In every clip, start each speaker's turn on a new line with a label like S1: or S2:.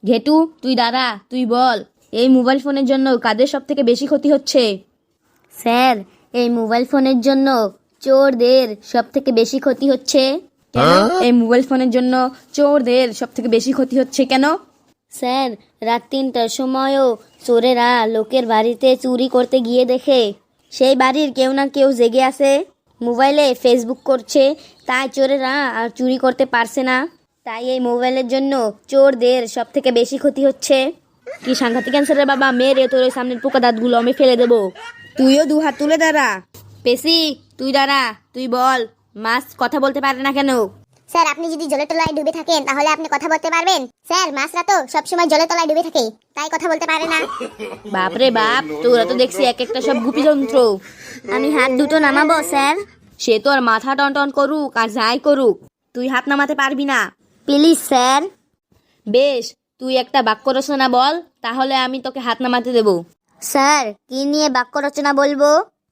S1: ঘেটু তুই দাঁড়া, তুই বল এই মোবাইল ফোনের জন্য কাদের সব থেকে বেশি ক্ষতি হচ্ছে?
S2: স্যার, এই মোবাইল ফোনের জন্য চোরদের সব থেকে বেশি ক্ষতি হচ্ছে।
S1: কেন এই মোবাইল ফোনের জন্য চোরদের সব থেকে বেশি ক্ষতি হচ্ছে কেন?
S2: স্যার, রাত 3টার সময়ও চোরেরা লোকের বাড়িতে চুরি করতে গিয়ে দেখে সেই বাড়ির কেউ না কেউ জেগে আছে, মোবাইলে ফেসবুক করছে, তাই চোরেরা আর চুরি করতে পারছে না। তাই এই মোবাইলের জন্য চোরদের সব থেকে বেশি ক্ষতি হচ্ছে।
S1: কি সাংঘাতিক ক্যান্সারের বাবা, মেরে তোর ওই সামনের পোকা দাঁতগুলো আমি ফেলে দেবো। তুইও 2 হাত তুলে দাঁড়া। পেশি তুই দাঁড়া, তুই বল মাছ কথা বলতে পারে না কেন?
S3: স্যার, আপনি যদি জলের তলায় ডুবে থাকেন তাহলে আপনি কথা বলতে পারবেন? স্যার, মাছরা তো সবসময় জলের তলায় ডুবে থাকে, তাই কথা বলতে পারে না।
S1: বাপরে বাপ, তোরা তো দেখছি এক একটা সব গুপি যন্ত্র।
S2: আমি হাত দুটো নামাবো স্যার?
S1: সে তো আর মাথা টন টন করুক আর যাই করুক, তুই হাত নামাতে পারবি না।
S2: Please sir.
S1: বেশ, তুই একটা বাক্য রচনা বল, তাহলে আমি তোকে হাত নামাতে দেবো।
S2: স্যার, কি নিয়ে বাক্য রচনা বলবো?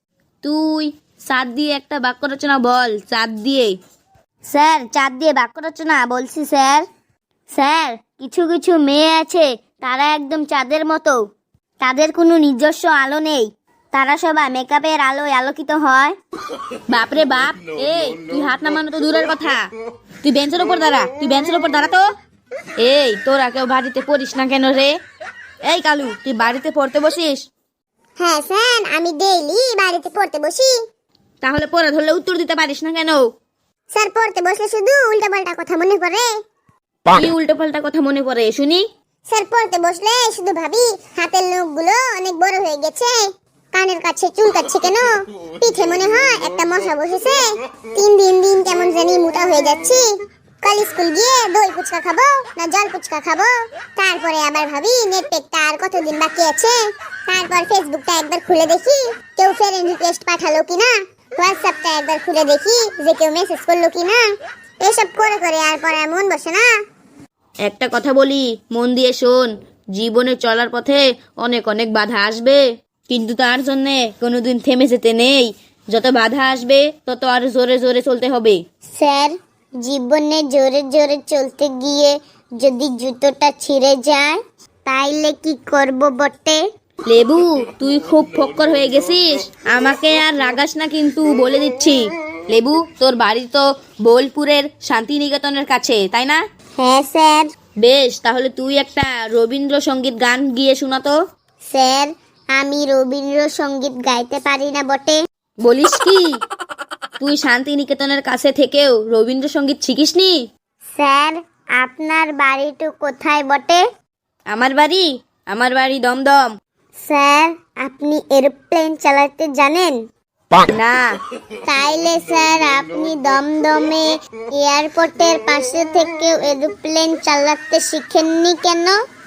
S1: তুই চাঁদ দিয়ে একটা বাক্য রচনা বল, চাঁদ দিয়ে।
S2: স্যার, চাঁদ দিয়ে বাক্য রচনা বলছি স্যার। স্যার, কিছু কিছু মেয়ে আছে, তারা একদম চাঁদের মতো, তাদের কোনো নিজস্ব আলো নেই, তারা সবাই মেকআপের আলোয় আলোকিত হয়।
S1: বাপরে বাপ, এই তুই হাত নামানো তো দূরের কথা, তুই বেঞ্চের উপর দাঁড়া, তুই বেঞ্চের উপর দাঁড়া তো। এই তোরা কেউ বাড়িতে পড়িস না কেন রে? এই কালু, তুই বাড়িতে পড়তে বসিস?
S3: হ্যাঁ স্যার, আমি ডেইলি বাড়িতে পড়তে বসি।
S1: তাহলে পড়া ধরলে উত্তর দিতে পারিস না কেন?
S3: স্যার, পড়তে বসলে শুধু উল্টাপাল্টা কথা মনে পড়ে।
S1: কি উল্টো পাল্টা কথা মনে পড়ে শুনি?
S3: স্যার, পড়তে বসলে শুধু ভাবি হাতের নখগুলো অনেক বড় হয়ে গেছে, কানের কাছে চুলকাচ্ছে কেন, পিঠে মনে হয় একটা মশা বসেছে, দিন কেমন জানি মোটা হয়ে যাচ্ছি, কাল স্কুল গিয়ে দই ফুচকা খাবো না জল ফুচকা খাবো। তারপরে আবার ভাবি নেট প্যাকটা আর কতদিন বাকি আছে। তারপর ফেসবুকটা একবার খুলে দেখি কেউ ফ্রেন্ড রিকোয়েস্ট পাঠালো কিনা, হোয়াটসঅ্যাপটা একবার খুলে দেখি যে কেউ মেসেজ করলো কিনা। এসব করে করে আর পড়ার মন বসে না।
S1: একটা কথা বলি, মন দিয়ে শোন, জীবনে চলার পথে অনেক অনেক বাধা আসবে, কিন্তু তার জন্যে কোনোদিন থেমে যেতে নেই। যত বাধা আসবে তত আর জোরে জোরে চলতে হবে।
S3: স্যার, জীবনে জোরে জোরে চলতে গিয়ে যদি জুতোটা ছিঁড়ে যায় তাইলে কি করব বটে?
S1: লেবু, তুই খুব ফক্কর হয়ে গেছিস, আমাকে আর রাগাস না কিন্তু বলে দিচ্ছি। লেবু, তোর বাড়ি তো বোলপুরের শান্তিনিকেতনের কাছে, তাই না?
S3: হ্যাঁ স্যার।
S1: বেশ, তাহলে তুই একটা রবীন্দ্রসঙ্গীত গান গিয়ে শোনাতো।
S3: স্যার, আমি রবীন্দ্রসঙ্গীত গাইতে পারি না বটে।
S1: বলিস কি, তুই শান্তিনিকেতনের কাছে থেকেও রবীন্দ্রসঙ্গীত শিখিসনি?
S3: স্যার, আপনার বাড়িটা কোথায় বটে?
S1: আমার বাড়ি দমদম।
S3: স্যার, আপনি এরোপ্লেন চালাতে জানেন?
S1: না।
S3: তাইলে স্যার, আপনি দমদমে এয়ারপোর্টের পাশে থেকেও এরোপ্লেন চালাতে শিখেননি কেন?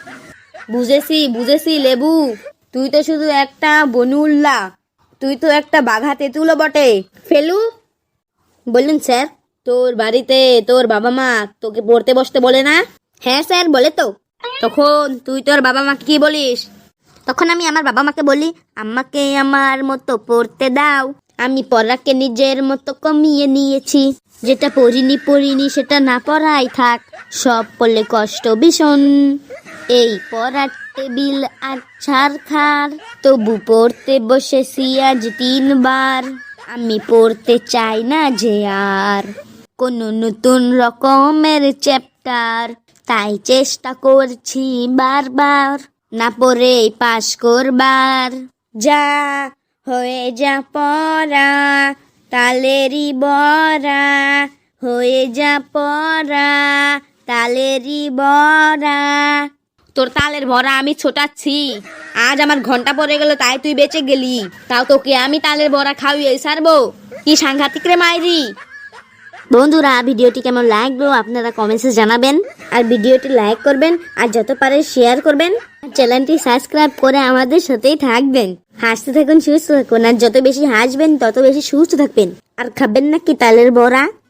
S1: বুঝেছি লেবু, তুই তো শুধু একটা বনুল্লা, তুই তো একটা বাঘা তেঁতুলও বটে। ফেলু,
S2: বলুন স্যার।
S1: তোর বাড়িতে তোর বাবা মা তোকে পড়তে বসতে বলে না?
S2: হ্যাঁ স্যার, বলে তো।
S1: তখন তুই তোর বাবা মাকে কি বলিস?
S2: তখন আমি আমার বাবা মাকে বলি, আমাকে আমার মতো পড়তে দাও, আমি পড়াকে নিজের মতো কমিয়ে নিয়েছি, যেটা পড়িনি সেটা না পড়াই থাক, সব পড়লে কষ্ট ভীষণ, এই পড়ার টেবিল আর ছাড় খার, তবু পড়তে বসেছি আজ 3 বার, আমি পড়তে চাই না যে আর কোনো নতুন রকমের চ্যাপ্টার, তাই চেষ্টা করছি বারবার না পড়ে পাশ করবার,
S1: যা হয়ে যা পড়া তালেরই বড়া, হয়ে যা পড়া তালেরই বড়া। তোর তালের ভরা আমি ছোটাচ্ছি, আজ আমার ঘন্টা পড়ে গেল তাই তুই বেঁচে গেলি, তাও তোকে আমি তালের বড়া খাওয়িয়ে ছাড়বো? কি সাংঘাতিক রে মাইরি।
S2: বন্ধুরা, ভিডিওটি কেমন লাগলো আপনারা কমেন্টসে জানাবেন, আর ভিডিওটি লাইক করবেন, আর যত পারে শেয়ার করবেন, আর চ্যানেলটি সাবস্ক্রাইব করে আমাদের সাথেই থাকবেন। হাসতে থাকুন, সুস্থ থাকুন, আর যত বেশি হাসবেন তত বেশি সুস্থ থাকবেন। আর খাবেন নাকি তালের বড়া?